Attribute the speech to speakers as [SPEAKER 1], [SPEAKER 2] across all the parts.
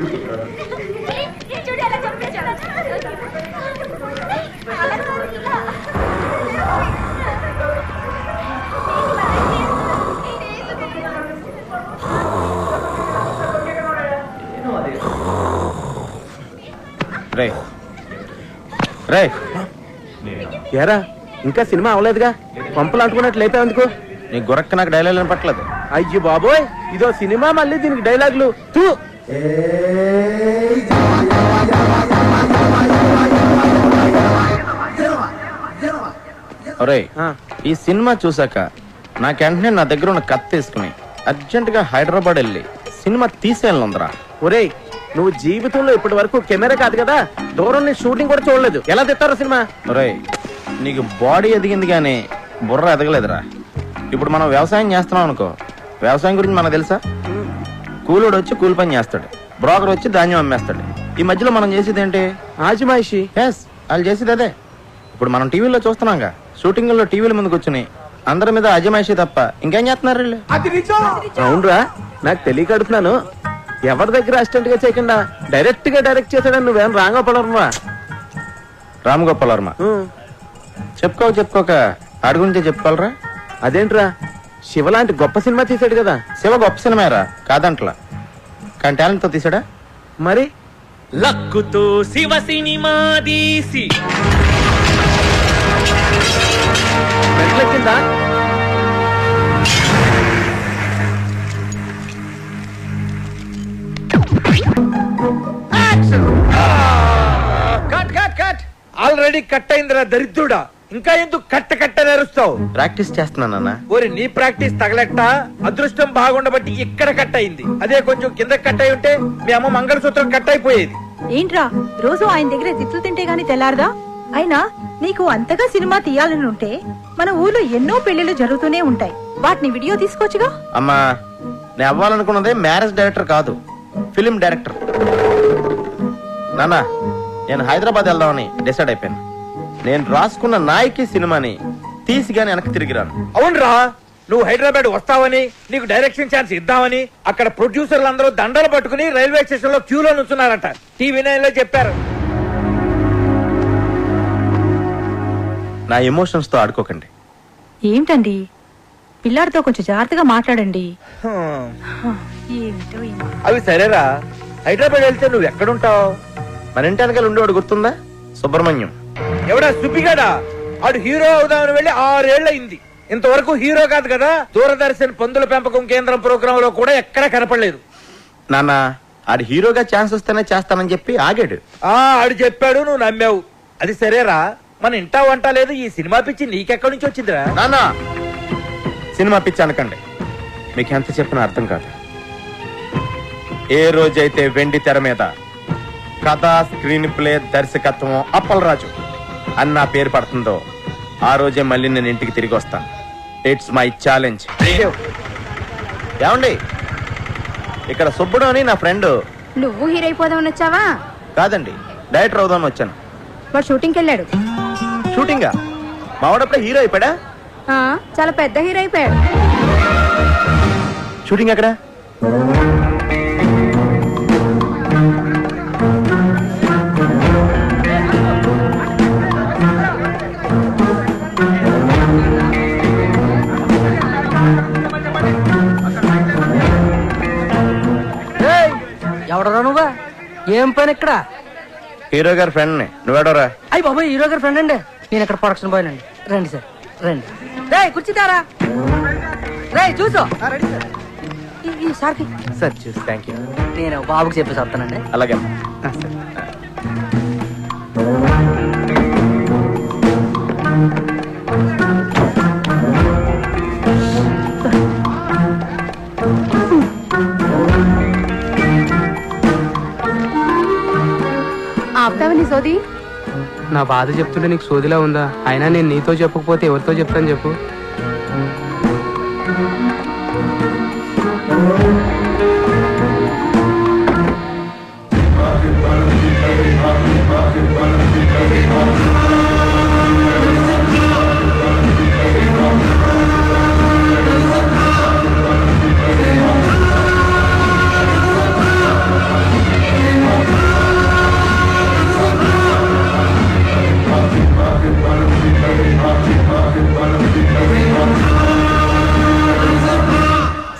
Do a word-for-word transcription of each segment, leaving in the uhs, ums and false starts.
[SPEAKER 1] రే రే ఏరా ఇంకా సినిమా అవలేదుగా, పంపులు అంటుకున్నట్లు లేపా ఎందుకు? నీ గురక్క నాకు డైలాగ్ పట్టలేదు. అయ్యో బాబోయ్, ఇదో సినిమా మళ్ళీ దీనికి డైలాగులు తూ. ఒరే, ఈ సినిమా చూసాక నాకు వెంటనే నా దగ్గర ఉన్న కత్తి తీసుకుని అర్జెంట్ గా హైదరాబాద్ వెళ్ళి సినిమా తీసేయాలందరా. ఒరేయ్, నువ్వు జీవితంలో ఇప్పటి వరకు కెమెరా కాదు కదా, దూరం నుంచి షూటింగ్ కూడా చూడలేదు, ఎలా తెస్తారో సినిమా? ఒరేయ్, నీకు బాడీ ఎదిగింది కానీ బుర్ర ఎదగలేదురా. ఇప్పుడు మనం వ్యవసాయం చేస్తున్నాం అనుకో, వ్యవసాయం గురించి మనకు తెలుసా? కూలోడు వచ్చి కూలి పని చేస్తాడు, బ్రోకర్ వచ్చి ధాన్యం అమ్మేస్తాడు. ఈ మధ్యలో మనం చేసేది ఏంటి? ఆజిమాయిషి. ఎస్, వాళ్ళు చేసేది అదే. ఇప్పుడు మనం టీవీలో చూస్తున్నాంగా, షూటింగ్ లో టీవీల ముందుకు వచ్చి అందరి మీద అజమాయిషి తప్ప ఇంకేం చేస్తున్నారు వీళ్ళు? అవునరా, నాకు తెలియక అడుగుతున్నాను. ఎవరి దగ్గర అసిస్టెంట్ గా చేయకుండా డైరెక్ట్ గా డైరెక్ట్ చేశాడని నువ్వేం రాంగోపాల్ వర్మ? రామ్ వర్మ చెప్పుకోక చెప్పుకోక ఆడి గురించే చెప్పుకోవాలరా. అదేంట్రా, శివ లాంటి గొప్ప సినిమా తీసాడు కదా. శివ గొప్ప సినిమారా కాదంట్లా, కానీ టాలెంట్ తో తీసాడా. మరి
[SPEAKER 2] లక్కుతో శివ సినిమా తీసి
[SPEAKER 1] వచ్చిందా?
[SPEAKER 3] ఆల్రెడీ కట్ అయిందిరా దరిద్రుడా, ఇంకా ఎందుకు కట్ట కట్ట నేరుస్తావు?
[SPEAKER 1] ప్రాక్టీస్ చేస్తున్నానన్నా.
[SPEAKER 3] ఓరి నీ ప్రాక్టీస్ తగలెట్ట, అదృష్టం బాగుండబట్టి ఇక్కడ కట్ అయింది. అదే కొంచెం కింద కట్ అయి ఉంటే మీ అమ్మ మంగళసూత్రం కట్ అయిపోయేది.
[SPEAKER 4] ఏంట్రా రోజు ఆయన దగ్గర తిట్లు తింటే గానీ తెల్లారదా? అయినా నీకు అంతగా సినిమా తీయాలని ఉంటే మన ఊర్లో ఎన్నో పెళ్లిళ్ళు జరుగుతూనే ఉంటాయి, వాటిని వీడియో తీసుకోవచ్చుగా.
[SPEAKER 1] అమ్మా, నేను అవ్వాలనుకున్నదే మ్యారేజ్ డైరెక్టర్ కాదు, ఫిలిం డైరెక్టర్. నానా, నేను హైదరాబాద్ వెళ్దామని డిసైడ్ అయిపోయాను. నేను రాసుకున్న నాయకి సినిమాని తీసి గాని వెనక్కి తిరిగిరాను.
[SPEAKER 3] అవునరా, నువ్వు హైదరాబాద్ వస్తావని, నీకు డైరెక్షన్ ఛాన్స్ ఇద్దామని అక్కడ ప్రొడ్యూసర్లు అందరూ దండలు పట్టుకుని రైల్వే స్టేషన్ లో క్యూలో నుంచున్నారట. టీవీ నైన్ లో చెప్పారు.
[SPEAKER 1] నా ఎమోషన్స్ తో ఆడుకోకండి.
[SPEAKER 4] ఏంటండి, పిల్లాడితో కొంచెం జాగ్రత్తగా మాట్లాడండి.
[SPEAKER 3] అవి సరేరా, హైదరాబాద్ వెళ్తే నువ్వు ఎక్కడుంటావు?
[SPEAKER 1] మన ఇంటి వెనకాల ఉండేవాడు గుర్తుందా? సుబ్రహ్మణ్యం.
[SPEAKER 3] ఎవడా సుబ్బిగాడా? ఆడు హీరో అవుదామని వెళ్ళి ఆరేళ్లయింది, ఇంతవరకు హీరో కాదు కదా. దూరదర్శన్ పందుల పెంపకం కేంద్రం ప్రోగ్రామ్ లో కూడా ఎక్కడా కనపడలేదు.
[SPEAKER 1] నాన్న, ఆడు హీరోగా ఛాన్స్ వస్తేనే చేస్తానని చెప్పి ఆగాడు.
[SPEAKER 3] ఆ ఆడు చెప్పాడు, నువ్వు నమ్మావు. అది సరేరా, మన ఇంటా వంట లేదు, ఈ సినిమా పిచ్చి నీకెక్కడి నుంచి వచ్చిందిరా?
[SPEAKER 1] నాన్న, సినిమా పిచ్చి అనకండి, మీకు ఎంత చెప్పినా అర్థం కాదు. ఏ రోజైతే వెండి తెర మీద కథ, స్క్రీన్ ప్లే, దర్శకత్వం అప్పలరాజు అని నా పేరు పడుతుందో ఆ రోజే మళ్ళీ నేను ఇంటికి తిరిగి వస్తాను. It's my challenge. ఏమండి, ఇక్కడ సుబ్బుడు అని నా ఫ్రెండ్.
[SPEAKER 5] నువ్వు హీరో అయిపోదామని వచ్చావా?
[SPEAKER 1] కాదండి, డైరెక్టర్ అవుదామని వచ్చాను.
[SPEAKER 5] వాడు షూటింగ్కి వెళ్ళాడు.
[SPEAKER 1] షూటింగా? మావాడప్పుడే హీరో అయిపోయాడా?
[SPEAKER 5] చాలా పెద్ద హీరో అయిపోయాడు.
[SPEAKER 1] షూటింగ్ ఎక్కడ?
[SPEAKER 6] ఎవడరా నువ్వా? ఏం పని ఇక్కడ?
[SPEAKER 1] హీరో గారి ఫ్రెండ్ ని. నువ్వేడోరా?
[SPEAKER 6] అయ్యి బాబాయ్, హీరో గారి ఫ్రెండ్ అండి. నేను ఇక్కడ ప్రొడక్షన్ బాయ్ అండి. రండి సార్, రండి. రే కూర్చుతారా? రే చూసో సార్కి.
[SPEAKER 1] సార్ చూసి థ్యాంక్ యూ.
[SPEAKER 6] నేను బాబుకి చెప్పేసి వస్తానండి.
[SPEAKER 1] అలాగే.
[SPEAKER 5] ఆపుతావని సోది?
[SPEAKER 6] నా బాధ చెప్తుంటే నీకు సోదిలా ఉందా? అయినా నేను నీతో చెప్పకపోతే ఎవరితో చెప్తాను చెప్పు?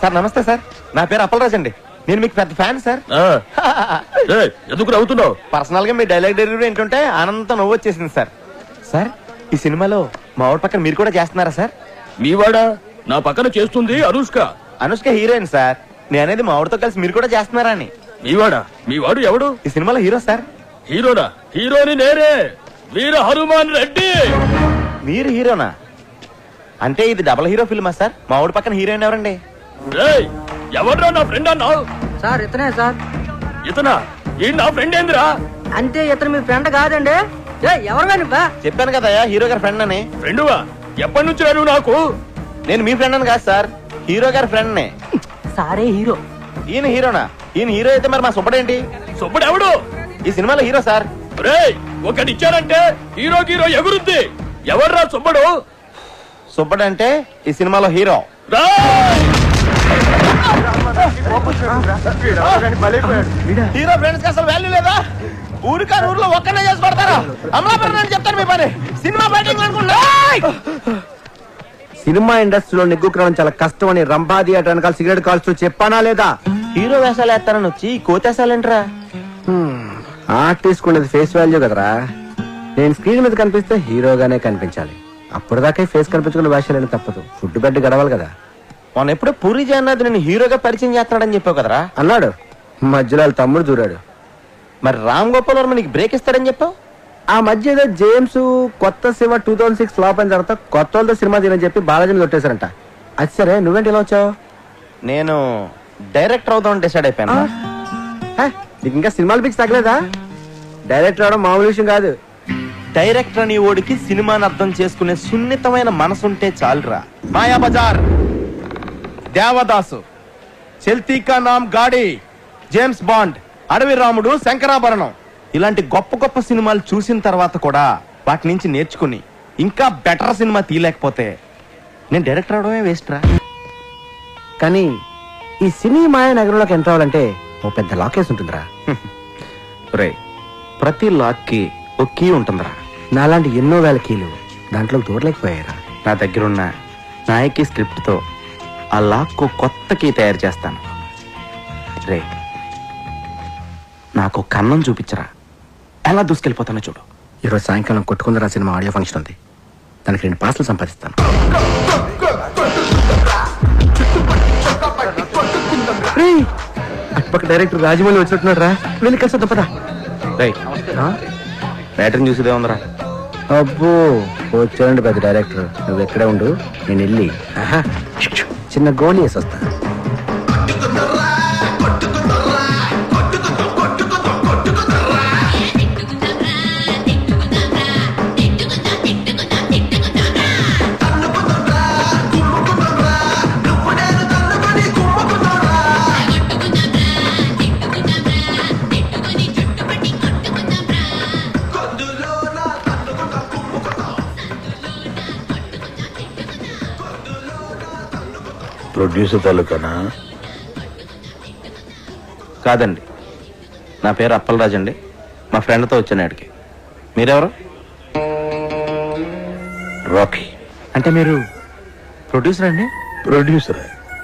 [SPEAKER 1] సార్ నమస్తే సార్, నా పేరు అప్పలరాజ్ అండి. నేను మీకు పెద్ద ఫ్యాన్ సార్.
[SPEAKER 2] ఎందుకు నవ్వుతున్నావు?
[SPEAKER 1] పర్సనల్ గా మీ డైలాగ్ డెలివరీ ఏంటంటే ఆనందంతో నవ్వు వచ్చేసింది సార్. సార్ ఈ సినిమాలో మా ఊరి పక్కన మీరు కూడా చేస్తున్నారా సార్?
[SPEAKER 2] మీవాడా? నా పక్కన చేస్తుంది అనుష్క.
[SPEAKER 1] Anushka heroine sir. నేను అనేది మా ఊరితో కలిసి మీరు కూడా చేస్తున్నారా అని.
[SPEAKER 2] మీవాడా? మీవాడు ఎవడు?
[SPEAKER 1] ఈ సినిమాలో హీరో సార్.
[SPEAKER 2] హీరోనా? హీరోని నేనే, వీర హనుమాన్ రెడ్డి.
[SPEAKER 1] మీరు హీరోనా? అంటే ఇది డబల్ హీరో ఫిల్మా సార్? మా ఊరి పక్కన హీరోయిన్ ఎవరండి?
[SPEAKER 2] రేయ్, ఎవడ్రా నా ఫ్రెండ్ అన్నావు?
[SPEAKER 6] సార్ ఇతనే సార్.
[SPEAKER 2] ఇతనా? ఈ నా ఫ్రెండ్ ఏందిరా?
[SPEAKER 6] అంటే ఇతను మీ ఫ్రెండ్ కాదండి. ఏయ్, ఎవరు నువ్వా?
[SPEAKER 1] చెప్పాను కదా హీరో గారి ఫ్రెండ్ అని.
[SPEAKER 2] ఫ్రెండువా? ఎప్పటి నుంచి రాను నాకు?
[SPEAKER 1] నేను మీ ఫ్రెండ్ అని కాదు సార్, హీరో గారి ఫ్రెండ్ నే.
[SPEAKER 6] సారే హీరో.
[SPEAKER 1] ఈయన హీరోనా? ఈయన హీరో అయితే మరి మా సుబ్బడేంటి?
[SPEAKER 2] సుబ్బడు ఎవడు?
[SPEAKER 1] ఈ సినిమాలో హీరో సార్.
[SPEAKER 2] రేయ్, ఒకటి ఇచ్చారంటే హీరో హీరో ఎగురుద్ది. ఎవర్రా సుబ్బడు?
[SPEAKER 1] సుబ్బడు అంటే ఈ సినిమాలో హీరో. హీరో ఫ్రెండ్స్ కి అసలు వాల్యూ లేదా? ఊరికా ఊర్లో ఒక్కనే చేసి పడతారా? అమలాపురం అని చెప్తాను మీ పని. సినిమా బయటింగ్ అనుకుంటా.
[SPEAKER 7] సినిమా ఇండస్ట్రీలో నిగ్గుక్రమం చాలా కష్టం అని రంభా థియేటర్ వెనకాల సిగరెట్ కాల్స్తూ చెప్పానా లేదా?
[SPEAKER 1] హీరో వేషాలు వేస్తానని వచ్చి కోతేసాలేంట్రా?
[SPEAKER 7] ఆర్టిస్ట్ ఉండేది ఫేస్ వాల్యూ కదరా. నేను స్క్రీన్ మీద కనిపిస్తే హీరోగానే కనిపించాలి. అప్పటిదాకా ఫేస్ కనిపించుకున్న వేషాలు తప్పదు. ఫుడ్ బెడ్ గడవాలి కదా.
[SPEAKER 1] మొన్న ఎప్పుడో పూరి జగన్నాథ్ నేను హీరోగా పరిచయం చేస్తున్నాడని చెప్పావు కదరా?
[SPEAKER 7] అన్నాడు. మధ్యలో వాళ్ళ తమ్ముడు దూరాడు.
[SPEAKER 1] మరి రామ్ గోపాల్ వర్మ నీకు బ్రేక్ ఇస్తాడని చెప్పావు.
[SPEAKER 7] ఆ మధ్య ఏదో జేమ్స్ కొత్త cinema two thousand six flop అయిన తర్వాత కొత్త వాళ్ళతో సినిమా తీయని చెప్పి బాలాజీని కొట్టేశారంట. అది సరే, నువ్వేంటి ఇలా వచ్చావు?
[SPEAKER 1] నేను డైరెక్టర్ అవుదామని డిసైడ్ అయిపోయాను.
[SPEAKER 7] హే, నీకు ఇంకా సినిమాలు పిచ్చి తగ్గలేదా? డైరెక్టర్ అవడం మామూలు విషయం కాదు.
[SPEAKER 1] డైరెక్టర్ అని ఓడికి సినిమాని అర్థం చేసుకునే సున్నితమైన మనసుంటే చాలురా. మాయా బజార్, దేవదాసు, చల్తీ కా నామ్ గాడి, జేమ్స్ బాండ్, అడవి రాముడు, శంకరాభరణం ఇలాంటి గొప్ప గొప్ప సినిమాలు చూసిన తర్వాత కూడా వాటి నుంచి నేర్చుకుని ఇంకా బెటర్ సినిమా తీయలేకపోతే నేను డైరెక్టర్ అవడమే వేస్ట్ రా.
[SPEAKER 7] కానీ ఈ సినీ మాయ నగరంలోకి ఎంటర్ అవ్వాలంటే ఓ పెద్ద లాకేస్ ఉంటుందిరా.
[SPEAKER 1] రే, ప్రతి లాక్ కి ఒక కీ ఉంటుందిరా.
[SPEAKER 7] నాలాంటి ఎన్నో వేల కీలు దాంట్లో దూరలేకపోయారా.
[SPEAKER 1] నా దగ్గరున్న నాయకి స్క్రిప్ట్ తో ఆ లాక్ కు కొత్త కీ తయారు చేస్తాను. రే, నాకు కన్నం చూపించరా, ఎలా దూసుకెళ్ళిపోతానో చూడు.
[SPEAKER 7] ఈరోజు సాయంకాలం కొట్టుకుందరా సినిమా ఆడియో ఫంక్షన్ ఉంది. దానికి రెండు పాసలు సంపాదిస్తాను. అటుపక్క డైరెక్టర్ రాజమౌళి వచ్చినట్టున్నాడు రా. వెళ్ళి కలిసి తప్పదా?
[SPEAKER 1] బ్యాటరీని చూసేదే ఉందరా.
[SPEAKER 7] అబ్బో, వచ్చాడండి పెద్ద డైరెక్టర్. నువ్వు ఎక్కడే ఉండు, నేను వెళ్ళి చిన్న గోళీ వేసి వస్తా.
[SPEAKER 8] ప్రొడ్యూసర్ తాలూకానా?
[SPEAKER 1] కాదండి, నా పేరు అప్పలరాజ్ అండి. మా ఫ్రెండ్తో వచ్చాను ఆడికి. మీరెవరు?
[SPEAKER 8] రాకీ.
[SPEAKER 1] అంటే మీరు ప్రొడ్యూసర్ అండి?
[SPEAKER 8] ప్రొడ్యూసర్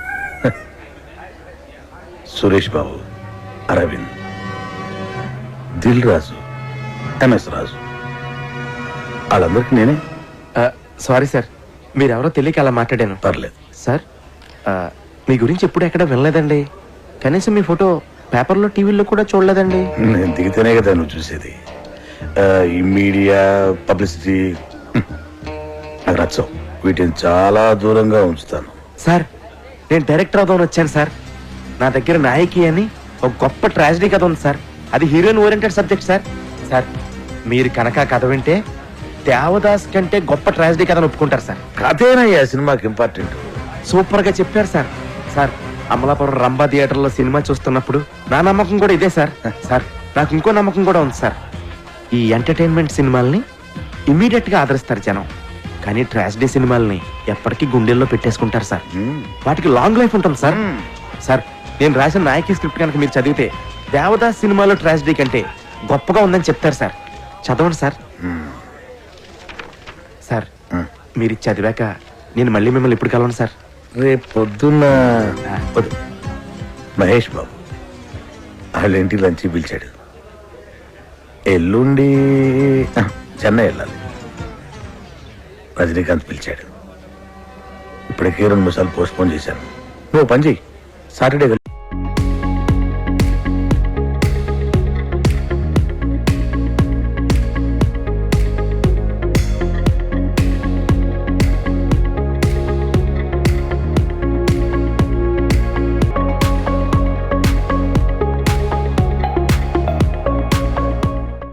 [SPEAKER 8] సురేష్ బాబు, అరవింద్, దిల్ రాజు, ఎంఎస్ రాజు, వాళ్ళందరికీ నేనే.
[SPEAKER 1] సారీ సార్, మీరెవరో తెలియక అలా మాట్లాడాను.
[SPEAKER 8] పర్లేదు
[SPEAKER 1] సార్, మీ గురించి ఎప్పుడు ఎక్కడ వినలేదండి. కనీసం మీ ఫోటో పేపర్లో టీవీలో కూడా చూడలేదండి.
[SPEAKER 8] నేను దిగితేనే కదా నువ్వు చూసేది. ఈ మీడియా పబ్లిసిటీ నాకు నచ్చవు. వీటిని చాలా దూరంగా ఉంచుతాను.
[SPEAKER 1] సార్, నేను డైరెక్టర్ అవుదామని వచ్చాను సార్. నా దగ్గర నాయకి అని ఒక గొప్ప ట్రాజడీ కథ ఉంది సార్. అది heroine oriented subject sir. Sir, మీరు కనుక కథ వింటే దేవదాస్ కంటే గొప్ప ట్రాజడీ కథను ఒప్పుకుంటారు సార్.
[SPEAKER 8] కథేనయ్యా సినిమాకి ఇంపార్టెంట్.
[SPEAKER 1] సూపర్ గా చెప్పారు sir. Sir, Amalapuram Rambha theatre లో సినిమా చూస్తున్నప్పుడు నా నమ్మకం కూడా ఇదే సార్. సార్, నాకు ఇంకో నమ్మకం కూడా ఉంది సార్. ఈ ఎంటర్టైన్మెంట్ సినిమాల్ని ఇమీడియట్ గా ఆదరిస్తారు జనం, కానీ ట్రాజడీ సినిమాల్ని ఎప్పటికీ గుండెల్లో పెట్టేసుకుంటారు సార్. వాటికి లాంగ్ లైఫ్ ఉంటుంది సార్. సార్, నేను రాసిన నాయకి స్క్రిప్ట్ కనుక మీరు చదివితే దేవదాస్ సినిమాలో ట్రాజడీ కంటే గొప్పగా ఉందని చెప్తారు సార్. చదవండి సార్. సార్, మీరు చదివాక నేను మళ్ళీ మిమ్మల్ని ఇప్పుడు కలవను సార్.
[SPEAKER 8] రేపు పొద్దున్న వద్దు. మహేష్ బాబు వాళ్ళ ఇంటికి లంచ్ పిలిచాడు. ఎల్లుండి ఆ, చెన్నై వెళ్ళాలి. రజనీకాంత్ పిలిచాడు. ఇప్పటికే రెండు మూడు సార్లు పోస్ట్ పోన్ చేశాను. నువ్వు పని చెయ్యి, సాటర్డే